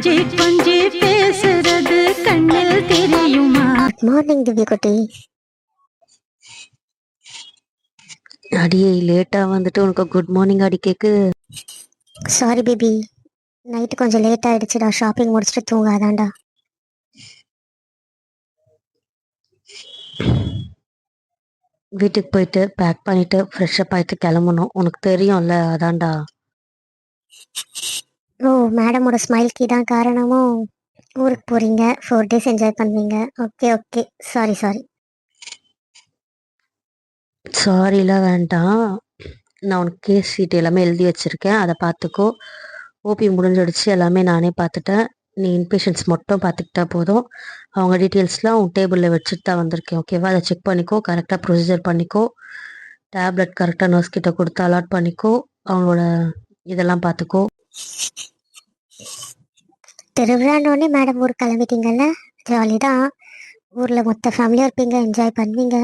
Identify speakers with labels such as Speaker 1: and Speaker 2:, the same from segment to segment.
Speaker 1: கொஞ்சி கொஞ்சி பேசுறது கண்ணில் தெரியுமா?
Speaker 2: மார்னிங் திவ்யா குட்டி.
Speaker 3: அடியே லேட்டாக வந்துட்டு உனக்கு குட் மார்னிங் அடி கேக்கு.
Speaker 2: சாரி பேபி, நைட்டு கொஞ்சம் லேட் ஆயிடுச்சுடா. ஷாப்பிங் முடிச்சுட்டு தூங்காதான்டா.
Speaker 3: வீட்டுக்கு போயிட்டு பேக் பண்ணிட்டு ஃப்ரெஷ்அப் ஆகிட்டு கிளம்பணும். உனக்கு தெரியும்ல, அதான்டா.
Speaker 2: ஓ, மேடமோட ஸ்மைல்க்கு தான் காரணமோ? ஊருக்கு போகிறீங்க, 4 days என்ஜாய் பண்ணுவீங்க. Okay okay, sorry sorry.
Speaker 3: சாரிலாம் வேண்டாம். நான் உனக்கு கேஸ் ஷீட் எல்லாமே எழுதி வச்சுருக்கேன், அதை பார்த்துக்கோ. ஓபி முடிஞ்சிடுச்சு, எல்லாமே நானே பார்த்துட்டேன். நீ இன்பேஷன்ஸ் மட்டும் பார்த்துக்கிட்டா போதும். அவங்க டீட்டெயில்ஸ்லாம் உன் டேபிளில் வச்சுட்டு தான் வந்திருக்கேன், ஓகேவா? அதை செக் பண்ணிக்கோ, கரெக்டாக ப்ரொசீஜர் பண்ணிக்கோ. டேப்லெட் கரெக்டாக நர்ஸ் கிட்ட கொடுத்து அலாட் பண்ணிக்கோ. அவங்களோட இதெல்லாம் பார்த்துக்கோ.
Speaker 2: திருவிழான்னொடனே மேடம் ஊருக்கு கிளம்பிட்டீங்கல்ல, ஜாலி தான். ஊரில் மொத்த ஃபேமிலியாக இருப்பீங்க, என்ஜாய் பண்ணுவீங்க.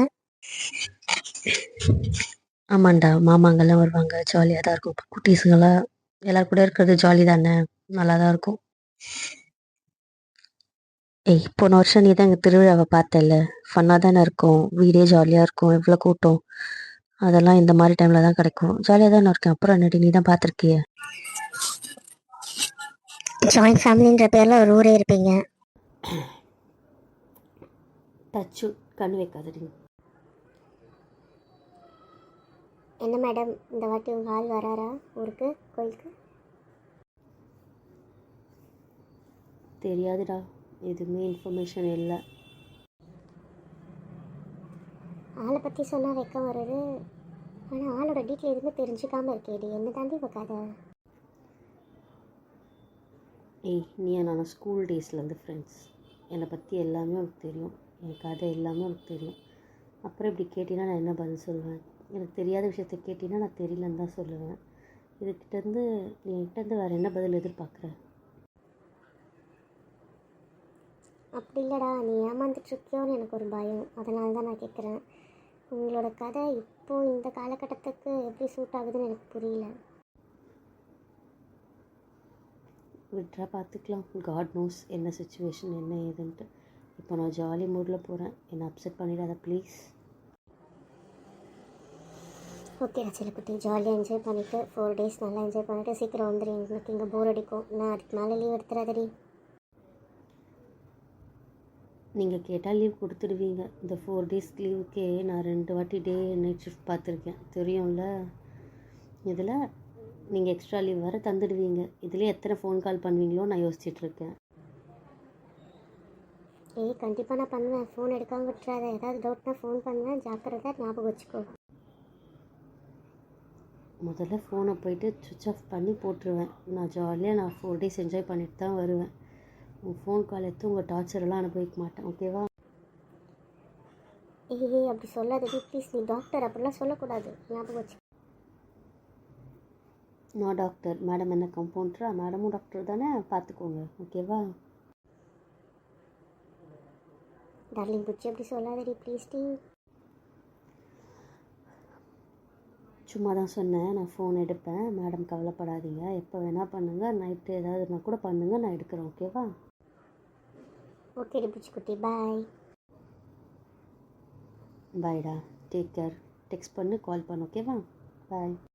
Speaker 3: ஆமாண்டா, மாமாங்கெல்லாம் வருவாங்க, ஜாலியாக தான் இருக்கும். குட்டீஸுங்கெல்லாம் எல்லாரும் கூட இருக்கிறது ஜாலி தானே, நல்லா தான் இருக்கும். ஏய், போன வருஷம் நீ தான் எங்கள் திருவிழாவை பார்த்தல, ஃபன்னாக தானே இருக்கும். வீடே ஜாலியாக இருக்கும், எவ்வளோ கூட்டம். அதெல்லாம் இந்த மாதிரி டைமில் தான் கிடைக்கும். ஜாலியாக தானே இருக்கேன். அப்புறம் என்னடி, நீ தான் பார்த்துருக்கிய.
Speaker 2: ஜாயின்ட் ஃபேமிலின்ற பேரில் ஒரு ஊரே இருப்பீங்க.
Speaker 3: டச்சு கண் வைக்காதடி.
Speaker 2: என்ன மேடம், இந்த வாட்டி உங்கள் ஆள் வராரா ஊருக்கு, கோயிலுக்கு?
Speaker 3: தெரியாதுடா, எதுவுமே இன்ஃபர்மேஷன் இல்லை.
Speaker 2: ஆளை பற்றி சொன்னால் வெக்கம் வருது. ஆனால் ஆளோட டீட்டெயில் எதுவுமே தெரிஞ்சுக்காமல் இருக்கேடி, என்ன தாண்டி இப்போ கதை?
Speaker 3: ஏய், நீ நான் ஸ்கூல் டேஸ்லேருந்து ஃப்ரெண்ட்ஸ். என்னை பற்றி எல்லாமே உனக்கு தெரியும், என் கதை எல்லாமே உனக்கு தெரியும். அப்புறம் இப்படி கேட்டினா நான் என்ன பதில் சொல்லுவேன்? எனக்கு தெரியாத விஷயத்த கேட்டினா நான் தெரியலன்னு தான் சொல்லுவேன். இதுக்கிட்டேருந்து நீ என்கிட்டேருந்து வேறு என்ன பதில் எதிர்பார்க்குற?
Speaker 2: அப்படி இல்லைடா, நீ ஏமாந்துட்டுருக்கியோன்னு எனக்கு ஒரு பயம், அதனால தான் நான் கேட்குறேன். உங்களோட கதை இப்போது இந்த காலகட்டத்துக்கு எப்படி சூட் ஆகுதுன்னு எனக்கு புரியல.
Speaker 3: விட்ரா, பார்த்துக்கலாம். காட் நோஸ் என்ன சுச்சுவேஷன் என்ன ஏதுன்ட்டு. இப்போ நான் ஜாலி மூடில் போகிறேன், என்னை அப்செட் பண்ணிடாத ப்ளீஸ்.
Speaker 2: ஓகே செல்லக்குட்டி, ஜாலியாக என்ஜாய் பண்ணிவிட்டு 4 days நல்லா என்ஜாய் பண்ணிவிட்டு சீக்கிரம் வந்துடு. எனக்கு இங்கே போர் அடிக்கும், நான் அதுக்கு மேலே லீவ் எடுத்துடாதடி.
Speaker 3: நீங்கள் கேட்டால் லீவ் கொடுத்துடுவீங்க. இந்த 4 days லீவுக்கே நான் 2 வாட்டி டே நைட் ஷிஃப்ட் பார்த்துருக்கேன், தெரியும்ல. இதில் நீங்கள் எக்ஸ்ட்ரா லீவ் வேறு தந்துடுவீங்க. இதுலேயே எத்தனை ஃபோன் கால் பண்ணுவீங்களோ நான் யோசிச்சுட்ருக்கேன்.
Speaker 2: ஏய், கண்டிப்பாக நான் பண்ணுவேன், ஃபோன் எடுக்காமல் விட்டுறாத. ஏதாவது டவுட்னா ஃபோன் பண்ணுவேன், ஜாக்கிரதை, ஞாபகம் வச்சுக்கோ.
Speaker 3: முதல்ல ஃபோனை போயிட்டு சுவிட்ச் ஆஃப் பண்ணி போட்டுருவேன். நான் ஜாலியாக 4 days என்ஜாய் பண்ணிட்டு தான் வருவேன். உங்கள் ஃபோன் கால் எடுத்து உங்கள் டார்ச்சரெல்லாம் அனுபவிக்க மாட்டேன், ஓகேவா?
Speaker 2: ஏய், அப்படி சொல்லாதடி ப்ளீஸ். நீ டாக்டர், அப்படிலாம் சொல்லக்கூடாது, ஞாபகம் வச்சு.
Speaker 3: நான் டாக்டர், மேடம் என்ன கம்பவுண்டரா? மேடமும் டாக்டர் தானே, பார்த்துக்கோங்க, ஓகேவா?
Speaker 2: டார்லிங் புச்சி, அப்படி சொல்லாதடி ப்ளீஸ் டி.
Speaker 3: சும்மா தான் சொன்னேன், நான் ஃபோன் எடுப்பேன். மேடம் கவலைப்படாதீங்க, எப்போ வேணால் பண்ணுங்கள். நைட்டு ஏதாவதுனா கூட பண்ணுங்கள், நான் எடுக்கிறேன், ஓகேவா?
Speaker 2: ஓகே புச்சிக்குட்டி, பாய்.
Speaker 3: பாய்டா, டேக் கேர். டெக்ஸ்ட் பண்ணு, கால் பண்ணு, ஓகேவா? பாய்.